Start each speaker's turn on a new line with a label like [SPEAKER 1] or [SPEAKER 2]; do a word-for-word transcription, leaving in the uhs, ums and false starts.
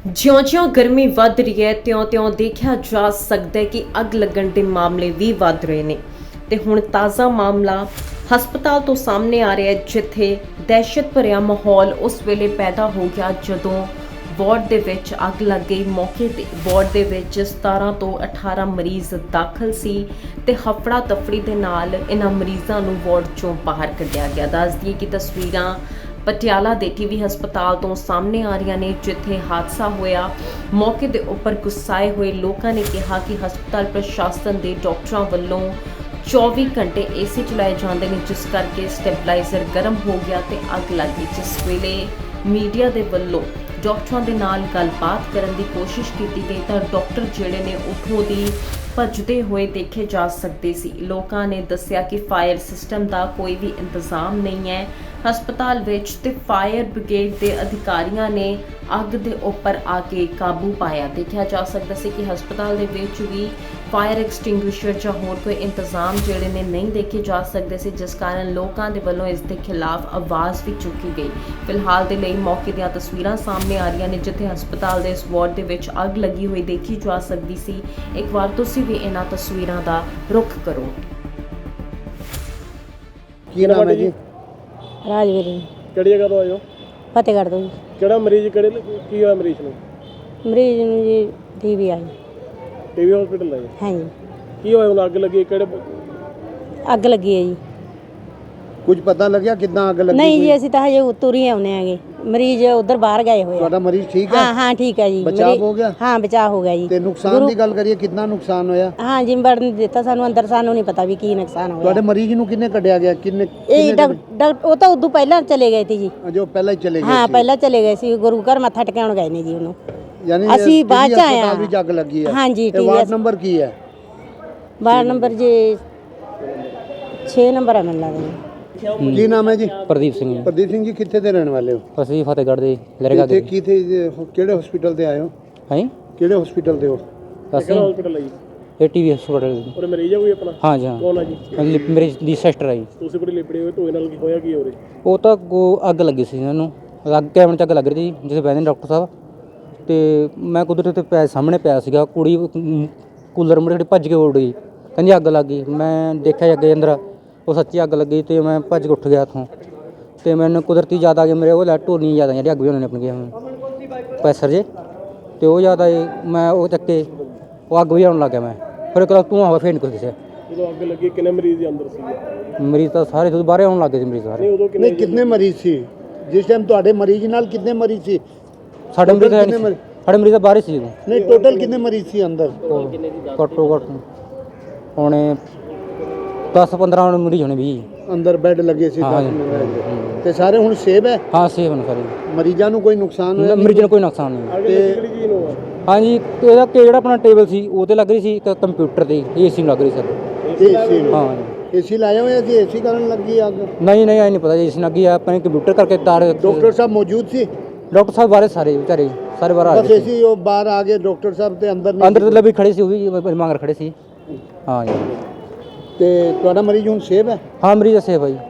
[SPEAKER 1] ਜਿਉਂ-ਜਿਉਂ ਗਰਮੀ ਵੱਧ ਰਹੀ ਹੈ ਤਿਉਂ-ਤਿਉਂ ਦੇਖਿਆ ਜਾ ਸਕਦਾ ਹੈ ਕਿ ਅੱਗ ਲੱਗਣ ਦੇ ਮਾਮਲੇ ਵੀ ਵੱਧ ਰਹੇ ਨੇ ਤੇ ਹੁਣ ਤਾਜ਼ਾ ਮਾਮਲਾ ਹਸਪਤਾਲ ਤੋਂ ਸਾਹਮਣੇ ਆ ਰਿਹਾ ਹੈ, ਜਿੱਥੇ ਦਹਿਸ਼ਤ ਭਰਿਆ ਮਾਹੌਲ ਉਸ ਵੇਲੇ ਪੈਦਾ ਹੋ ਗਿਆ ਜਦੋਂ ਵਾਰਡ ਦੇ ਵਿੱਚ ਅੱਗ ਲੱਗ ਗਈ। ਮੌਕੇ ਤੇ ਵਾਰਡ ਦੇ ਵਿੱਚ ਸਤਾਰਾਂ ਤੋਂ ਅਠਾਰਾਂ ਮਰੀਜ਼ ਦਾਖਲ ਸੀ ਤੇ ਹਫੜਾ ਤਫੜੀ ਦੇ ਨਾਲ ਇਹਨਾਂ ਮਰੀਜ਼ਾਂ ਨੂੰ ਵਾਰਡ ਚੋਂ ਬਾਹਰ ਕੱਢਿਆ ਗਿਆ। ਦੱਸ ਦਈਏ ਕਿ ਤਸਵੀਰਾਂ ਪਟਿਆਲਾ ਦੇ ਟੀਵੀ ਹਸਪਤਾਲ ਤੋਂ ਸਾਹਮਣੇ ਆ ਰਹੀਆਂ ਨੇ, ਜਿੱਥੇ ਹਾਦਸਾ ਹੋਇਆ। ਮੌਕੇ ਦੇ ਉੱਪਰ ਗੁੱਸਾਏ ਹੋਏ ਲੋਕਾਂ ਨੇ ਕਿਹਾ ਕਿ ਹਸਪਤਾਲ ਪ੍ਰਸ਼ਾਸਨ ਦੇ ਡਾਕਟਰਾਂ ਵੱਲੋਂ ਚੌਵੀ ਘੰਟੇ ਏਸੀ ਚਲਾਏ ਜਾਂਦੇ ਨੇ, ਜਿਸ ਕਰਕੇ ਸਟੈਬਲਾਈਜ਼ਰ ਗਰਮ ਹੋ ਗਿਆ ਤੇ ਅੱਗ ਲੱਗ ਗਈ। ਜਿਸ ਵੇਲੇ ਮੀਡੀਆ ਦੇ ਵੱਲੋਂ ਡਾਕਟਰਾਂ ਦੇ ਨਾਲ ਗੱਲਬਾਤ ਕਰਨ ਦੀ ਕੋਸ਼ਿਸ਼ ਕੀਤੀ ਗਈ ਤਾਂ ਡਾਕਟਰ ਜਿਹੜੇ ਨੇ ਉੱਥੋਂ ਦੀ ਭੱਜਦੇ ਹੋਏ ਦੇਖੇ ਜਾ ਸਕਦੇ ਸੀ। ਲੋਕਾਂ ਨੇ ਦੱਸਿਆ ਕਿ ਫਾਇਰ ਸਿਸਟਮ ਦਾ ਕੋਈ ਵੀ ਇੰਤਜ਼ਾਮ ਨਹੀਂ ਹੈ ਹਸਪਤਾਲ ਵਿੱਚ ਤੇ ਫਾਇਰ ਬ੍ਰਿਗੇਡ ਦੇ ਅਧਿਕਾਰੀਆਂ ਨੇ ਅੱਗ ਦੇ ਉੱਪਰ ਆ ਕੇ ਕਾਬੂ ਪਾਇਆ। ਦੇਖਿਆ ਜਾ ਸਕਦਾ ਸੀ ਕਿ ਹਸਪਤਾਲ ਦੇ ਵਿੱਚ ਵੀ ਫਾਇਰ ਐਕਸਟਿੰਗੁਇਸ਼ਰ ਜਾਂ ਹੋਰ ਕੋਈ ਇੰਤਜ਼ਾਮ ਜਿਹੜੇ ਨੇ ਨਹੀਂ ਦੇਖੇ ਜਾ ਸਕਦੇ ਸੀ, ਜਿਸ ਕਾਰਨ ਲੋਕਾਂ ਦੇ ਵੱਲੋਂ ਇਸ ਦੇ ਖਿਲਾਫ ਆਵਾਜ਼ ਵੀ ਚੁੱਕੀ ਗਈ। ਫਿਲਹਾਲ ਦੇ ਲਈ ਮੌਕੇ ਦੀਆਂ ਤਸਵੀਰਾਂ ਸਾਹਮਣੇ ਆ ਰਹੀਆਂ ਨੇ, ਜਿੱਥੇ ਹਸਪਤਾਲ ਦੇ ਇਸ ਵਾਰਡ ਦੇ ਵਿੱਚ ਅੱਗ ਲੱਗੀ ਹੋਈ ਦੇਖੀ ਜਾ ਸਕਦੀ ਸੀ। ਇੱਕ ਵਾਰ ਤੁਸੀਂ ਵੀ ਇਹਨਾਂ ਤਸਵੀਰਾਂ ਦਾ ਰੁਖ ਕਰੋ।
[SPEAKER 2] ਕੀ ਨਾਮ ਹੈ ਜੀ?
[SPEAKER 3] ਰਾਜਵੀਰ ਜੀ।
[SPEAKER 2] ਕਿਹੜੀ ਜਗ੍ਹਾ ਤੋਂ ਆਏ ਹੋ?
[SPEAKER 3] ਫਤਿਹਗੜ੍ਹ ਤੋਂ ਜੀ।
[SPEAKER 2] ਕਿਹੜਾ ਮਰੀਜ਼ ਕਿਹੜੇ ਕੀ ਹੋਇਆ ਮਰੀਜ਼ ਨੂੰ?
[SPEAKER 3] ਮਰੀਜ਼ ਨੂੰ ਜੀ ਟੀਵੀ ਆਈ।
[SPEAKER 2] ਟੀਵੀ ਹਸਪੀਟਲ ਆਏ?
[SPEAKER 3] ਹਾਂਜੀ।
[SPEAKER 2] ਕੀ ਹੋਇਆ ਹੁਣ? ਅੱਗ ਲੱਗੀ ਕਿਹੜੇ?
[SPEAKER 3] ਅੱਗ ਲੱਗੀ ਹੈ ਜੀ।
[SPEAKER 2] ਕੁਝ ਪਤਾ ਲੱਗਿਆ ਕਿੱਦਾਂ ਅੱਗ ਲੱਗੀ?
[SPEAKER 3] ਨਹੀਂ ਜੀ, ਅਸੀਂ ਤਾਂ ਹਜੇ ਉਤਰ ਹੀ ਆਉਨੇ ਆਗੇ। ਮਰੀਜ਼ ਉਧਰ ਬਾਹਰ ਗਏ ਹੋਏ ਆ।
[SPEAKER 2] ਤੁਹਾਡਾ ਮਰੀਜ਼ ਠੀਕ ਹੈ?
[SPEAKER 3] ਹਾਂ ਹਾਂ ਠੀਕ ਹੈ ਜੀ।
[SPEAKER 2] ਬਚਾਅ ਹੋ ਗਿਆ?
[SPEAKER 3] ਹਾਂ ਬਚਾਅ ਹੋ ਗਿਆ ਜੀ।
[SPEAKER 2] ਤੇ ਨੁਕਸਾਨ ਦੀ ਗੱਲ ਕਰੀਏ, ਕਿੰਨਾ ਨੁਕਸਾਨ ਹੋਇਆ?
[SPEAKER 3] ਹਾਂ ਜੀ, ਵੜਨ ਦਿੱਤਾ ਸਾਨੂੰ ਅੰਦਰ, ਸਾਨੂੰ ਨਹੀਂ ਪਤਾ ਵੀ ਕੀ ਨੁਕਸਾਨ ਹੋਇਆ।
[SPEAKER 2] ਤੁਹਾਡੇ ਮਰੀਜ਼ ਨੂੰ ਕਿੰਨੇ ਕੱਢਿਆ ਗਿਆ? ਕਿੰਨੇ?
[SPEAKER 3] ਇਹ ਡਾਕਟਰ ਉਹ ਤਾਂ ਉਦੋਂ ਪਹਿਲਾਂ ਚਲੇ ਗਏ ਸੀ ਜੀ।
[SPEAKER 2] ਜੋ ਪਹਿਲਾਂ ਹੀ ਚਲੇ ਗਏ
[SPEAKER 3] ਹਾਂ
[SPEAKER 2] ਸੀ?
[SPEAKER 3] ਪਹਿਲਾਂ ਚਲੇ ਗਏ ਸੀ, ਗੁਰੂ ਘਰ ਮੱਥਾ ਟਿਕਾਉਣ ਗਏ ਨੇ ਜੀ ਉਹਨੂੰ।
[SPEAKER 2] ਯਾਨੀ
[SPEAKER 3] ਅਸੀਂ ਬਾਅਦ ਚ ਆਏ
[SPEAKER 2] ਆ। ਵੀ ਜੱਗ ਲੱਗੀ ਹੈ?
[SPEAKER 3] ਹਾਂ ਜੀ।
[SPEAKER 2] ਇਹ ਵਾਰਡ ਨੰਬਰ ਕੀ ਹੈ?
[SPEAKER 3] ਵਾਰਡ ਨੰਬਰ ਜੀ ਛੇ ਨੰਬਰ ਹੈ ਮੈਨੂੰ ਲੱਗਦਾ।
[SPEAKER 2] ਕੀ ਨਾਮ ਹੈ ਜੀ?
[SPEAKER 4] ਪ੍ਰਦੀਪ ਸਿੰਘ ਜੀ।
[SPEAKER 2] ਪ੍ਰਦੀਪ ਸਿੰਘ ਜੀ, ਕਿੱਥੇ ਦੇ ਰਹਿਣ ਵਾਲੇ ਹੋ?
[SPEAKER 4] ਅਸੀਂ ਫਤਿਹਗੜ੍ਹ ਦੇ ਲਰੇਗਾ ਦੇ।
[SPEAKER 2] ਕਿੱਥੇ ਕਿਹੜੇ ਹਸਪੀਟਲ ਤੇ ਆਏ ਹੋ?
[SPEAKER 4] ਹੈ
[SPEAKER 2] ਕਿਹੜੇ ਹਸਪੀਟਲ ਤੇ ਹੋ?
[SPEAKER 4] ਅਸੀਂ
[SPEAKER 2] ਹਸਪੀਟਲ ਹੈ ਜੀ?
[SPEAKER 4] ਇਹ ਟੀਵੀ ਹਸਪਤਾਲ।
[SPEAKER 2] ਉਹਦੇ ਮਰੀਜ਼ ਹੈ ਕੋਈ ਆਪਣਾ? ਹਾਂ ਜੀ ਹਾਂ। ਕੌਣ ਹੈ ਜੀ?
[SPEAKER 4] ਮੇਰੀ ਦੀ ਸਿਸਟਰ ਹੈ ਜੀ।
[SPEAKER 2] ਤੁਸੀਂ ਬੜੀ ਲਿਪੜੇ ਹੋਏ ਧੋਏ ਨਾਲ ਕੀ ਹੋਇਆ? ਕੀ ਹੋ ਰਿਹਾ?
[SPEAKER 4] ਉਹ ਤਾਂ ਅੱਗੋਂ ਅੱਗ ਲੱਗੀ ਸੀ ਇਹਨਾਂ ਨੂੰ। ਅੱਗ ਕੈਮਰੇ 'ਚ ਅੱਗ ਲੱਗ ਰਹੀ ਸੀ ਜਿੱਥੇ ਬਹਿੰਦੇ ਨੇ ਡਾਕਟਰ ਸਾਹਿਬ, ਤੇ ਮੈਂ ਕੁਦਰਤ ਤੇ ਪੈ ਸਾਹਮਣੇ ਪਿਆ ਸੀਗਾ। ਕੁੜੀ ਕੂਲਰ ਮੁੜੇ ਜਿਹੜੀ ਭੱਜ ਕੇ ਉੱਡ ਗਈ, ਕਹਿੰਦੀ ਅੱਗ ਲੱਗ ਗਈ। ਮੈਂ ਦੇਖਿਆ ਅੱਗੇ ਅੰਦਰ ਉਹ ਸੱਚੀ ਅੱਗ ਲੱਗੀ ਤੇ ਮੈਂ ਭੱਜ ਕੇ ਉੱਠ ਗਿਆ ਉੱਥੋਂ, ਤੇ ਮੈਨੂੰ ਕੁਦਰਤੀ ਯਾਦ ਆ ਗਈ ਮੇਰੇ ਉਹ ਲੈ ਢੋਲੀਆਂ ਯਾਦ ਆ ਜਿਹੜੀ ਅੱਗ ਵੀ ਉਹਨਾਂ ਨੇ ਆਪਣੀਆਂ ਪੈਸਰ ਜੇ, ਤੇ ਉਹ ਯਾਦ ਆਏ। ਮੈਂ ਉਹ ਚੱਕੇ ਉਹ ਅੱਗ ਵੀ ਆਉਣ ਲੱਗ ਗਿਆ। ਮੈਂ ਫਿਰ ਇੱਕ ਧੂੰਆਂ ਹੋਇਆ, ਫਿਰ ਨਹੀਂ ਕੁਛ ਦਿਸਿਆ।
[SPEAKER 2] ਜਦੋਂ ਅੱਗ ਲੱਗੀ ਕਿੰਨੇ ਮਰੀਜ਼ ਦੇ ਅੰਦਰ ਸੀ?
[SPEAKER 4] ਮਰੀਜ਼ ਤਾਂ ਸਾਰੇ ਜਦੋਂ ਬਾਹਰ ਆਉਣ ਲੱਗ ਗਏ ਸੀ ਮਰੀਜ਼ ਸਾਰੇ।
[SPEAKER 2] ਨਹੀਂ, ਕਿੰਨੇ ਮਰੀਜ਼ ਸੀ ਜਿਸ ਟਾਈਮ ਤੁਹਾਡੇ ਮਰੀਜ਼ ਨਾਲ? ਕਿੰਨੇ ਮਰੀਜ਼ ਸੀ?
[SPEAKER 4] ਸਾਡੇ ਮਰੀਜ਼ ਤਾਂ ਸਾਡੇ ਮਰੀਜ਼ ਤਾਂ ਬਾਹਰ ਸੀ ਜਦੋਂ।
[SPEAKER 2] ਨਹੀਂ, ਟੋਟਲ ਕਿੰਨੇ ਮਰੀਜ਼ ਸੀ ਅੰਦਰ?
[SPEAKER 4] ਘੱਟੋ ਘੱਟ ਹੋਣੇ ਦਸ ਪੰਦਰਾਂ ਮਰੀਜ਼ ਹੋਣੇ ਵੀ
[SPEAKER 2] ਅੰਦਰ ਬੈੱਡ ਲੱਗੇ ਸੀ? ਤੇ ਸਾਰੇ ਹੁਣ ਸੇਵ ਹੈ?
[SPEAKER 4] ਹਾਂ ਸੇਵ ਨੇ ਸਾਰੇ।
[SPEAKER 2] ਮਰੀਜ਼ਾਂ ਨੂੰ ਕੋਈ ਨੁਕਸਾਨ ਹੋਇਆ?
[SPEAKER 4] ਮਰੀਜ਼ਾਂ ਨੂੰ ਕੋਈ ਨੁਕਸਾਨ ਨਹੀਂ।
[SPEAKER 2] ਤੇ
[SPEAKER 4] ਹਾਂਜੀ, ਇਹਦਾ ਜਿਹੜਾ ਆਪਣਾ ਟੇਬਲ ਸੀ ਉਹ ਤੇ ਲੱਗ ਰਹੀ ਸੀ, ਇੱਕ ਕੰਪਿਊਟਰ ਤੇ ਏਸੀ ਨੂੰ ਲੱਗ ਰਹੀ ਸੀ।
[SPEAKER 2] ਏਸੀ?
[SPEAKER 4] ਹਾਂ
[SPEAKER 2] ਏਸੀ ਲਾਇਆ ਹੋਇਆ ਸੀ? ਏਸੀ ਕਾਰਨ ਲੱਗੀ ਅੱਗ?
[SPEAKER 4] ਨਹੀਂ ਨਹੀਂ, ਆਈ ਨਹੀਂ ਪਤਾ ਜੀ ਏਸੀ ਲੱਗੀ ਆ। ਆਪਣੇ ਕੰਪਿਊਟਰ ਕਰਕੇ ਤਾਰ।
[SPEAKER 2] ਡਾਕਟਰ ਸਾਹਿਬ ਮੌਜੂਦ ਸੀ?
[SPEAKER 4] ਡਾਕਟਰ ਸਾਹਿਬ ਬਾਰੇ ਸਾਰੇ ਵਿਚਾਰੇ ਸਾਰੇ ਬਾਹਰ ਆ
[SPEAKER 2] ਬਸ
[SPEAKER 4] ਗਏ
[SPEAKER 2] ਏਸੀ ਉਹ ਬਾਹਰ ਆ ਗਏ, ਡਾਕਟਰ ਸਾਹਿਬ ਤੇ ਅੰਦਰ ਨਹੀਂ?
[SPEAKER 4] ਅੰਦਰ ਤੇ ਵੀ ਖੜੇ ਸੀ, ਉਹ ਵੀ ਮੰਗਰ ਖੜੇ ਸੀ। ਹਾਂ ਜੀ।
[SPEAKER 2] ਤੇ ਤੁਹਾਡਾ ਮਰੀਜ਼ ਹੁਣ ਸੇਵ ਹੈ?
[SPEAKER 4] ਹਾਂ ਮਰੀਜ਼ ਸੇਫ ਹੈ ਜੀ।